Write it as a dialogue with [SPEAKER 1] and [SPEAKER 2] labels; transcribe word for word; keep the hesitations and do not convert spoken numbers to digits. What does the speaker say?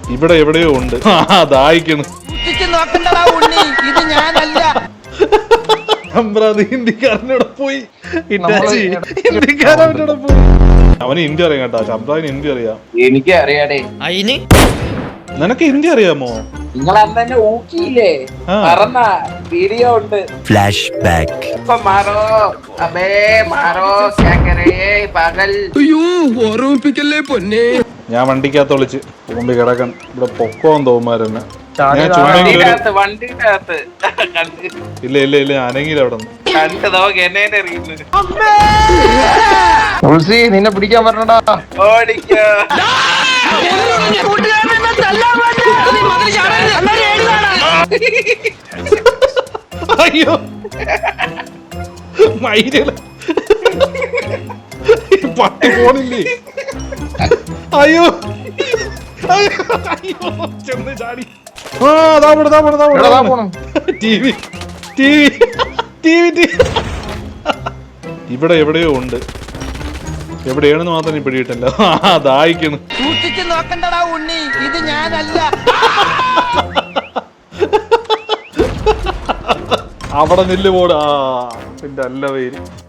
[SPEAKER 1] ഇവിടെ എവിടെയോ ഉണ്ട്. ദാഹിക്കണ്.
[SPEAKER 2] ഇത് ഞാനല്ല.
[SPEAKER 1] ഹിന്ദിക്കാരനോടെ പോയി. ഹിന്ദിക്കാരനോടെ പോയി. അവന് ഹിന്ദി അറിയാം കേട്ടോ. ശബ്ദാവിന് ഹിന്ദി അറിയാം.
[SPEAKER 3] എനിക്ക് അറിയാടേ.
[SPEAKER 1] നിനക്ക് ഹിന്ദി അറിയാമോ?
[SPEAKER 3] നിങ്ങൾ അന്ന് തന്നെ ഊക്കിയില്ലേ? പറഞ്ഞ വീഡിയോ ഉണ്ട്.
[SPEAKER 4] Flash back.
[SPEAKER 3] ഇപ്പൊ മാറോ അബേ മാറോ ക്യാ പകൽ.
[SPEAKER 5] അയ്യോ ഓർമ്മിപ്പിക്കല്ലേ പൊന്നെ.
[SPEAKER 1] ഞാൻ വണ്ടിക്കകത്ത് വിളിച്ച് മുമ്പ് കിടക്കാൻ ഇവിടെ പൊക്കോന്ന് തോന്നുമാരെന്നെ.
[SPEAKER 3] വണ്ടിക്കകത്ത്
[SPEAKER 1] ഇല്ല ഇല്ല ഇല്ല അനങ്ങിയില്ല അവിടെ നിന്ന്.
[SPEAKER 3] കണ്ടു നോക്ക് എന്നെ അറിയുന്നത്.
[SPEAKER 6] നിന്നെ പിടിക്കാൻ പറഞ്ഞടാ.
[SPEAKER 3] ഓടിക്കോ.
[SPEAKER 1] അയ്യോ മയില പട്ടി പോണില്ലേ? അയ്യോ അയ്യോ ചെന്ന് ചാടി. ആ ദാ പോണു ദാ പോണു ദാ പോണു. ടിവി ടിവി ടിവി ഇവിടെ എവിടെയോ ഉണ്ട്. എവിടെയാണെന്ന് മാത്രം പിടിയിട്ടല്ലോ. ദാഹിക്കണ്.
[SPEAKER 2] സൂക്ഷിച്ച് നോക്കണ്ടടാ ഉണ്ണി, ഇത് ഞാനല്ല.
[SPEAKER 1] അവിടെ നില്ല് പോടാ. പിന്നെ അല്ല പേര്.